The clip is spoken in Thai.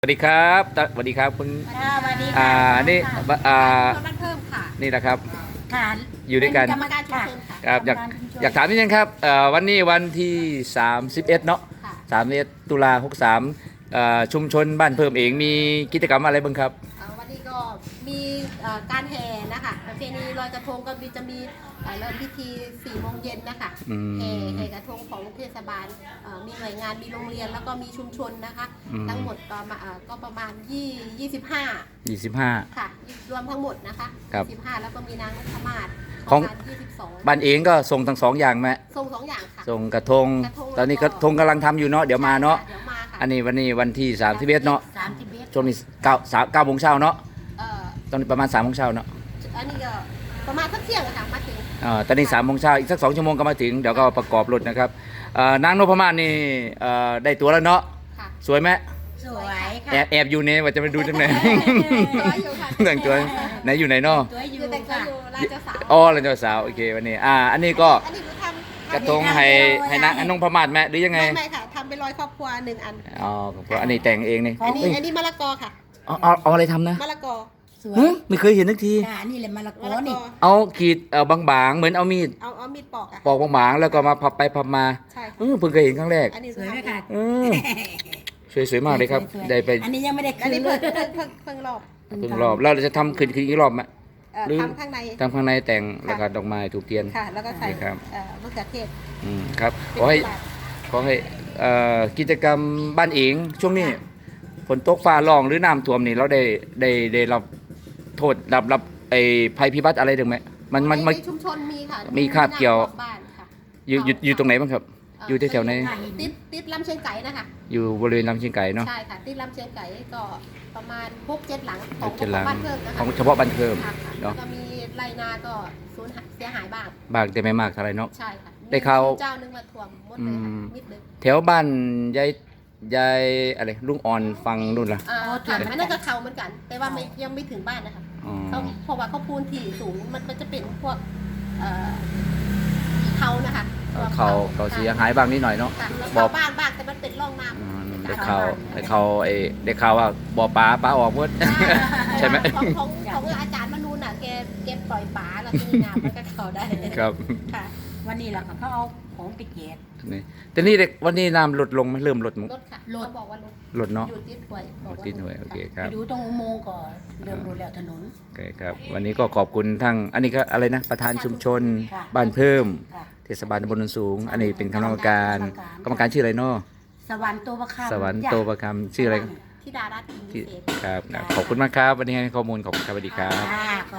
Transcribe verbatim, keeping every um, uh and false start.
สวัสดีครับตสวัสดีครับคุณค่ะสวัสดีอ่าค่ะนี่ค่ะอ่าบ้านเพิ่มค่ะนี่นะครับค่ะอยู่ด้วยกันเป็กรรมการชุมค่ะชนค่ะครับอยากอยากถามนิดนึงครับเอ่อวันนี้วันที่สามสิบเอ็ดเนาะค่ะสามสิบเอ็ดตุลาหกสามเอ่อชุมชนบ้านเพิ่มเองมีกิจกรรมอะไรบ้างครับเอ่อวันนี้ก็มีเอ่อการแห่นะคะประเพณีลอยกระทงก็มีจะมีเอ่อเริ่มพิธีสี่โมงเย็นนะคะอืมแห่แห่กระทงของเทศบาลเอ่อมีหน่วยงานมีโรงเรียนแล้วก็มีชุมชนนะคะอืมทั้งหมดก็มาเอ่อก็ประมาณยี่ยี่สิบห้ายี่สิบห้าค่ะรวมทั้งหมดนะคะครับยี่สิบห้าแล้วก็มีนางนพมาศของประมาณยี่สิบสองบ้านเองก็ส่งทั้งสองอย่างไหมส่งสองอย่างค่ะส่งกระทงกระทงตอนนี้กแล้ระวก็ทงกำลังทำอยู่เนาะเดี๋ยวมาเนาะใช่ค่เดี๋ยวมาค่ะอันนี้วันนี้วันที่สามสิบเอ็ดเนาะสามสิบเอ็ดช่วงนี้เก้าสามเก้าโมงเช้าเนาะเอ่อตอนนี้ประมาณสามโมงเช้าเนาะอันนี้ก็ประมาณสักเที่ยงอะค่ะมาถึงอ่าตอนนี้สามโมงเช้าอีกสักสองชั่วโมงก็มาถึงเดี๋ยวก็ประกอบรถนะครับเอ่อนางนพมาศนี่เอ่อได้ตัวแล้วเนาะค่ะสวยไหมสวยค่ะแอบแอบอยู่เนี่ยว่าจะไปดูจังไหนตัวอยู่ค่ะแต่งตัวไหนอยู่ไหนเนาะสวยอยู่คือแต่งตัวค่ะอยู่ราชสาวอ๋อเราเจ้าสาวโอเควันนี้อ่าอันนี้ก็อันนี้คือทำกระทงให้ให้นางให้น้องพมาศแม่หรือยังไงไม่ไม่ค่ะทำเป็นรอยครอบครัวหนึ่งอันอ๋อเพราะอันนี้แต่งเองนี่อันนี้เอ้ยอันนี้มะละกอค่ะเอาเอาเอาอะไรทำนะมะละกอสวยเฮ้ยไม่เคยเห็นนักทีค่ะนี่แหละมะละกมะอละกนี่อเอาขีดเอ่อบางๆเหมือนเอามีดเอาเอามีดปอกอ่ะปอกบางๆแล้วก็มาพับไปพับมาใช่เอค่ะอเพิ่งเคยเห็นครั้งแรกอันนี้สวยไหมค่ะเออสวยสวยมากเลยครับสวยๆได้ไปอันนี้ยังไม่ได้อัคืนนนี้เลเพิ่งยเพิ่งเพิ่งเพิ่งรอบเพิ่งรอบแล้วเราจะทำคืนคืนอีกรอบไหมเอ่อหรือทำข้างในทำข้างในแต่งแล้วก็ดอกไม้ถูกเทียนค่ะ แล้วก็ใส่นี่ครับเอ่อมะเขือเทศอืมครับเป็นขอให้ตลาดขอให้เอ่อกิจกรรมบ้านเองช่วงนี้ฝนตกฟ้าร้องหรือน้ำท่วมนี่เราได้ได้ได้รับโทษรับรับไอ้ภัยพิบัติอะไรถึงไหมมันมันมันในชุมชนมีค่ะมีคาบเกี่ยวบ้านค่ะอยู่อยู่อยู่ตรงไหนบ้างครับเอยู่แถวๆไหนติดติดลำเชียงไก่นะคะอยู่บริเวณลำเชียงไก่เนาะใช่ค่ะติดลำเชียงไก่ก็ประมาณหกเจ็ดหลังขหองกเจ็ดหลังบ้านเพิ่มนะขคะองเฉพาะบ้านเพิ่มค่ะค่ะแล้เนาะวก็มีไรนาก็สูญหายเสียหายบ้างบางแต่ไม่มากเท่าไหรเนาะใช่ค่ะได้ข่าวมีเจ้านึงมาทวงหมดเลยค่ะอืมมิดเลยแถวบ้านยายยายอะไรลุงอ่อนฟังนู่นล่ะอ่าโอ้ค่ะทวงอันนั้นก็เขาเหมือนกัน แต่ว่าไม่ยังไม่ถึงบ้านนะคะอ๋อเขาเพราะว่าเขาปูนที่สูงมันมันจะเป็นพวกเอ่อเขานะคะเอ่อเขาเขาเสียหายบ้างนิดหน่อยเนาะค่ะแล้วบอเขากบ้านบ้างแต่มันเป็นร่องน้อืมำได้ข่าวได้ข่าวไอ้ได้ข่าวว่าบ่อปลาปลาออกหมด ใช่ไหมของของของอาจารย์มนูนอ่ะแกแกปล่อยปลาแล้วทีนี้น้ำมันก็เข้าได้ครับค่ะวันนี้แหละค่ะเขาเอาของไปเก็บนี่แต่นี่เด็กวันนี้น้ำลดลงไหมเริ่มลดมั้งรถค่ะรถเขาบอกว่ารถลดเนาะอยู่ติดหน่วยบอกว่าติดหน่วยโอเคคไปรับดูตรงอุโมงค์ก่อนเริ่มรู้แล้วถนนโอเคครับวันนี้ก็ขอบคุณทั้งอันนี้ก็อะไรนะประธานชุมชนค่ะบ้านเพิ่มค่ะเทศบาลตำบลโนนสูง อันนี้เป็นคณะกรรมการกกรรรรมมกาการ รชื่ออะไรเนาะสวรรค์ตัวประคำสวรรค์โตประคำชื่ออะไรที่ดารัตน์อินที่เศษครับครับขอบคุณมากครับวันนี้ให้ข้อมูลขอบคุณครับสวัสดีครับอ่า